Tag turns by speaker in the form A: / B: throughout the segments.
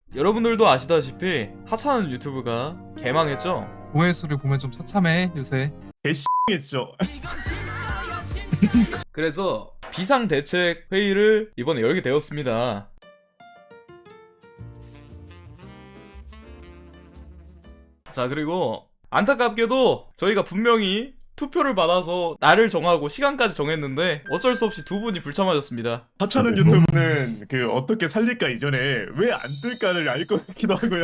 A: 여러분들도 아시다시피 하찮은 유튜브가 개망했죠?
B: 조회수를 보면 좀 처참해 요새.
C: 했죠.
A: 그래서 비상대책 회의를 이번에 열게 되었습니다. 자, 그리고 안타깝게도 저희가 분명히 투표를 받아서 날을 정하고 시간까지 정했는데 어쩔 수 없이 두 분이 불참하셨습니다.
C: 하찮은 유튜브는 그 어떻게 살릴까 이전에 왜 안 뜰까를 알 것 같기도 하고요.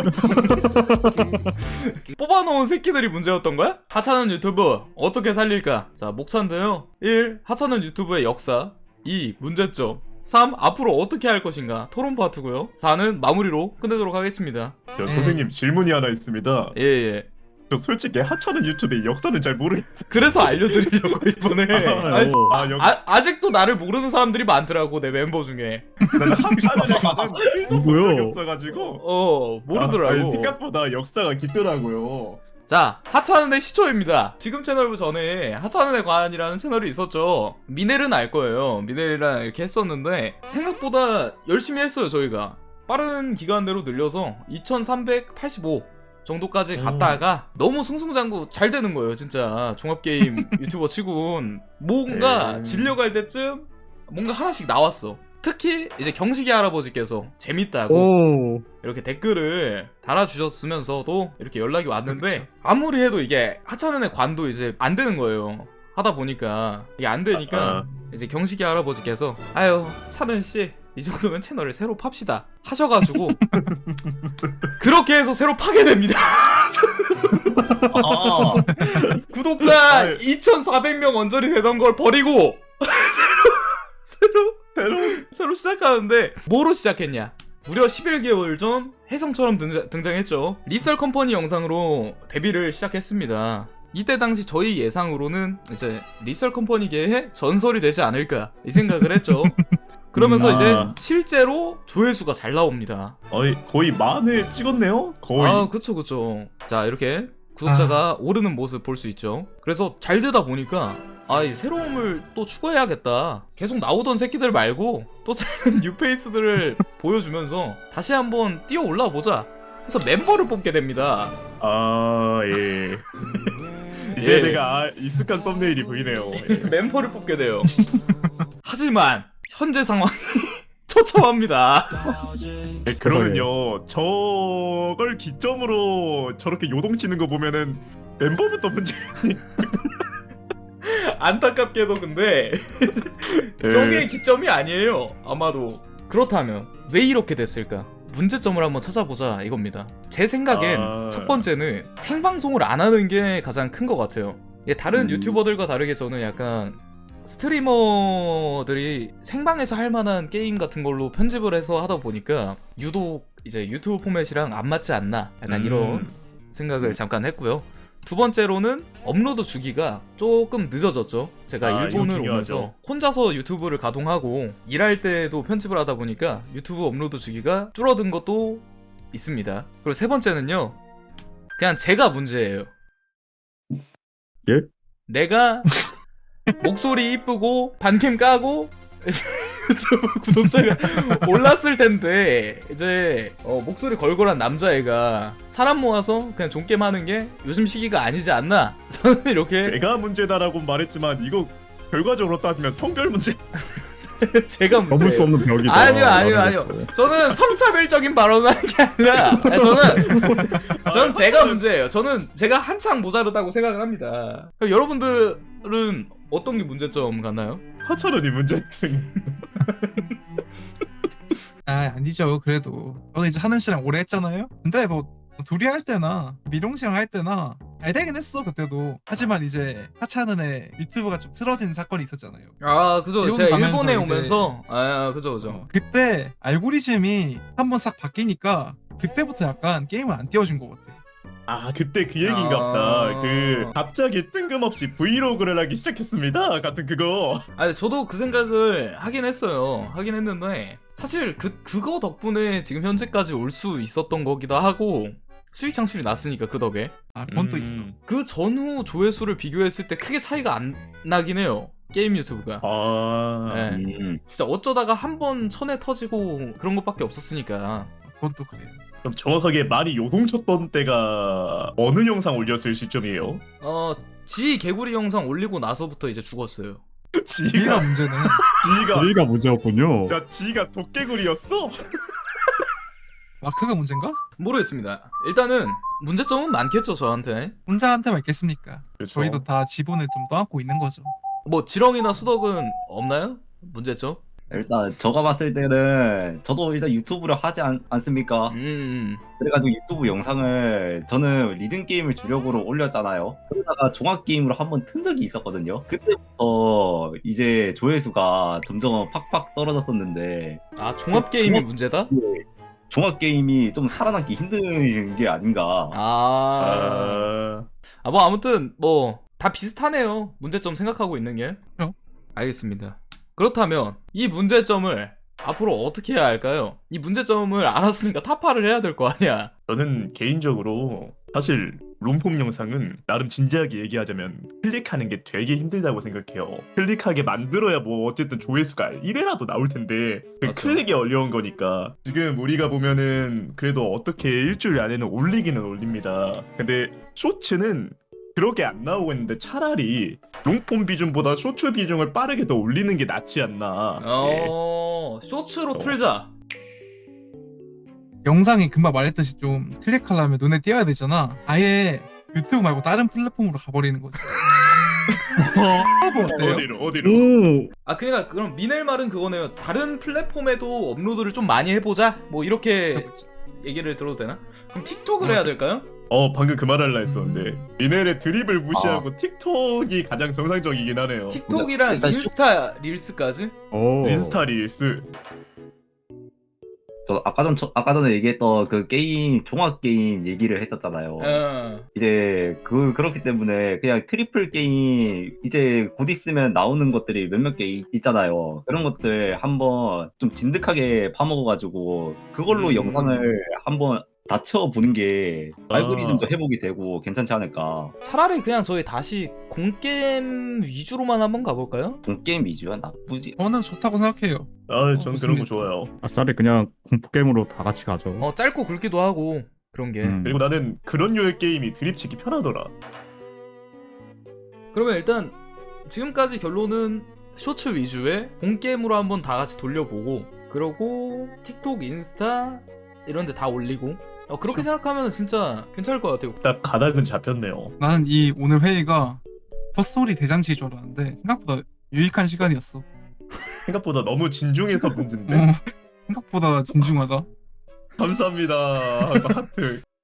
A: 뽑아놓은 새끼들이 문제였던 거야? 하찮은 유튜브 어떻게 살릴까? 자, 목차인데요. 1. 하찮은 유튜브의 역사. 2. 문제점. 3. 앞으로 어떻게 할 것인가? 토론 파트고요. 4는 마무리로 끝내도록 하겠습니다.
C: 저 선생님 질문이 하나 있습니다.
A: 예.
C: 저 솔직히 하찮은 유튜브의 역사는 잘 모르겠어요.
A: 그래서 알려드리려고 이번에. 아니, 아직도 나를 모르는 사람들이 많더라고, 내 멤버 중에.
C: 나는 하찮은에 관한 1도 본 적이 없어가지고
A: 모르더라고.
C: 생각보다 역사가 깊더라고요.
A: 자, 하찮은의 시초입니다. 지금 채널 전에 하찮은의 관이라는 채널이 있었죠. 미넬은 알 거예요. 미넬이랑 이렇게 했었는데 생각보다 열심히 했어요, 저희가. 빠른 기간 내로 늘려서 2385 정도까지 갔다가 너무 승승장구 잘 되는 거예요, 진짜. 종합게임 유튜버 치곤 뭔가 질려갈 때쯤 뭔가 하나씩 나왔어. 특히 이제 경식이 할아버지께서 재밌다고 이렇게 댓글을 달아주셨으면서도 이렇게 연락이 왔는데,
B: 그렇죠.
A: 아무리 해도 이게 하찮은의 관도 이제 안 되는 거예요. 하다 보니까 이게 안 되니까 이제 경식이 할아버지께서 아유, 찬은씨 이 정도면 채널을 새로 팝시다 하셔가지고 그렇게 해서 새로 파게 됩니다. 구독자 2,400명 언저리 되던 걸 버리고 새로 시작하는데, 뭐로 시작했냐? 무려 11개월 전 혜성처럼 등장했죠. 리썰 컴퍼니 영상으로 데뷔를 시작했습니다. 이때 당시 저희 예상으로는 이제 리썰 컴퍼니계의 전설이 되지 않을까 이 생각을 했죠. 그러면서 이제 실제로 조회수가 잘 나옵니다.
C: 거의 만회 찍었네요? 거의.
A: 아, 그쵸. 자, 이렇게 구독자가 오르는 모습 볼 수 있죠. 그래서 잘 되다 보니까 이 새로움을 또 추구해야겠다. 계속 나오던 새끼들 말고 또 다른 뉴페이스들을 보여주면서 다시 한번 뛰어 올라 보자. 그래서 멤버를 뽑게 됩니다.
C: 예. 이제 내가 익숙한 썸네일이 보이네요.
A: 멤버를 뽑게 돼요. 하지만 현재 상황이 처참합니다.
C: 그러면요, 저걸 기점으로 저렇게 요동치는 거 보면은 멤버부터 문제가
A: 안타깝게도 근데 저게 기점이 아니에요. 아마도. 그렇다면 왜 이렇게 됐을까? 문제점을 한번 찾아보자 이겁니다. 제 생각엔 첫 번째는 생방송을 안 하는 게 가장 큰 것 같아요. 다른 유튜버들과 다르게 저는 약간 스트리머들이 생방에서 할 만한 게임 같은 걸로 편집을 해서 하다 보니까 유독 이제 유튜브 포맷이랑 안 맞지 않나, 약간 이런 생각을 잠깐 했고요. 두 번째로는 업로드 주기가 조금 늦어졌죠. 제가 일본을 오면서 혼자서 유튜브를 가동하고 일할 때도 편집을 하다 보니까 유튜브 업로드 주기가 줄어든 것도 있습니다. 그리고 세 번째는요, 그냥 제가 문제예요.
C: 예?
A: 내가 목소리 이쁘고 반캠 까고 유튜브 구독자가 올랐을 텐데 이제 목소리 걸걸한 남자애가 사람 모아서 그냥 존게임 하는 게 요즘 시기가 아니지 않나, 저는 이렇게.
C: 내가 문제다라고 말했지만 이거 결과적으로 따지면 성별 문제.
A: 제가 문제예요.
D: 넘을 수 없는 벽이다.
A: 아니요. 저는 성차별적인 발언을 하는 게 아니라 저는 제가 문제예요. 저는 제가 한창 모자르다고 생각을 합니다. 그럼 여러분들은 어떤 게 문제점 같나요?
C: 하찮은이 문제생.
B: 아니죠. 그래도 저는 이제 하는 씨랑 오래 했잖아요. 근데 뭐 둘이 할 때나 미롱 씨랑 할 때나 잘 되긴 했어 그때도. 하지만 이제 하찮은의 유튜브가 좀 틀어진 사건이 있었잖아요.
A: 그죠. 제가 일본에 오면서 그죠.
B: 그때 알고리즘이 한번 싹 바뀌니까 그때부터 약간 게임을 안 띄워준 것 같아요.
C: 그때 그 얘기인갑다. 그 갑자기 뜬금없이 브이로그를 하기 시작했습니다 같은 그거.
A: 저도 그 생각을 하긴 했어요. 하긴 했는데 사실 그거 덕분에 지금 현재까지 올 수 있었던 거기도 하고, 수익 창출이 났으니까 그 덕에.
B: 그건 또 있어.
A: 그 전후 조회수를 비교했을 때 크게 차이가 안 나긴 해요, 게임 유튜브가. 진짜 어쩌다가 한 번 천에 터지고 그런 것밖에 없었으니까.
B: 그건 또 그래요.
C: 그럼 정확하게 많이 요동쳤던 때가 어느 영상 올렸을 시점이에요?
A: 지 개구리 영상 올리고 나서부터 이제 죽었어요.
B: B가
C: 지가
B: 문제네.
C: 지가
D: 문제였군요.
C: 야 지가 도깨구리였어?
B: 마크가 문제인가?
A: 모르겠습니다. 일단은 문제점은 많겠죠 저한테.
B: 혼자한테만 있겠습니까?
C: 그렇죠.
B: 저희도 다 지분을 좀 떠안고 있는 거죠.
A: 뭐 지렁이나 수덕은 없나요? 문제점?
E: 일단 제가 봤을 때는 저도 일단 유튜브를 하지 않습니까? 그래가지고 유튜브 영상을 저는 리듬 게임을 주력으로 올렸잖아요. 그러다가 종합 게임으로 한번 튼 적이 있었거든요. 그때부터 이제 조회수가 점점 팍팍 떨어졌었는데
A: 아 종합 게임이 문제다?
E: 종합 게임이 좀 살아남기 힘든 게 아닌가.
A: 뭐 아무튼 뭐 다 비슷하네요. 문제점 생각하고 있는 게. 알겠습니다. 그렇다면 이 문제점을 앞으로 어떻게 해야 할까요? 이 문제점을 알았으니까 타파를 해야 될 거 아니야.
C: 저는 개인적으로 사실 롬폼 영상은 나름 진지하게 얘기하자면 클릭하는 게 되게 힘들다고 생각해요. 클릭하게 만들어야 뭐 어쨌든 조회수가 1회라도 나올 텐데 그
A: 맞죠.
C: 클릭이 어려운 거니까 지금 우리가 보면은 그래도 어떻게 일주일 안에는 올리기는 올립니다. 근데 쇼츠는 그렇게 안 나오고 있는데 차라리 롱폼 비중보다 쇼츠 비중을 빠르게 더 올리는 게 낫지 않나. 예.
A: 쇼츠로 틀자.
B: 영상이 금방 말했듯이 좀 클릭하려면 눈에 띄어야 되잖아. 아예 유튜브 말고 다른 플랫폼으로 가버리는 거지. 어때요?
C: 어디로?
D: 오,
A: 아 그러니까 그럼 미넬 말은 그거네요. 다른 플랫폼에도 업로드를 좀 많이 해보자. 뭐 이렇게 얘기를 들어도 되나? 그럼 틱톡을 해야 될까요?
C: 방금 그 말 할라 했었는데 미넬의 드립을 무시하고 틱톡이 가장 정상적이긴 하네요.
A: 틱톡이랑
E: 일단
A: 인스타 릴스까지?
D: 오.
C: 인스타 릴스.
E: 저 아까 전에 얘기했던 그 게임 종합 게임 얘기를 했었잖아요. 이제 그렇기 때문에 그냥 트리플 게임 이제 곧 있으면 나오는 것들이 몇몇 개 있잖아요. 그런 것들 한번 좀 진득하게 파먹어가지고 그걸로 영상을 한번 다 채워보는 게 알고리즘도 회복이 되고 괜찮지 않을까.
A: 차라리 그냥 저희 다시 공게임 위주로만 한번 가볼까요?
E: 게임 위주야 나쁘지.
B: 저는 좋다고 생각해요.
C: 전 그런 거 좋아요.
D: 아싸리 그냥 공포 게임으로 다 같이 가죠.
A: 짧고 굵기도 하고 그런 게.
C: 그리고 나는 그런 류의 게임이 드립치기 편하더라.
A: 그러면 일단 지금까지 결론은 쇼츠 위주의 공게임으로 한번 다 같이 돌려보고 그러고 틱톡, 인스타 이런 데 다 올리고 그렇게 생각하면 진짜 괜찮을 것 같아요.
C: 딱 가닥은 잡혔네요.
B: 나는 이 오늘 회의가 헛소리 대잔치인 줄 알았는데 생각보다 유익한 시간이었어.
C: 생각보다 너무 진중해서 문제인데.
B: 생각보다 진중하다.
C: 감사합니다. 하트.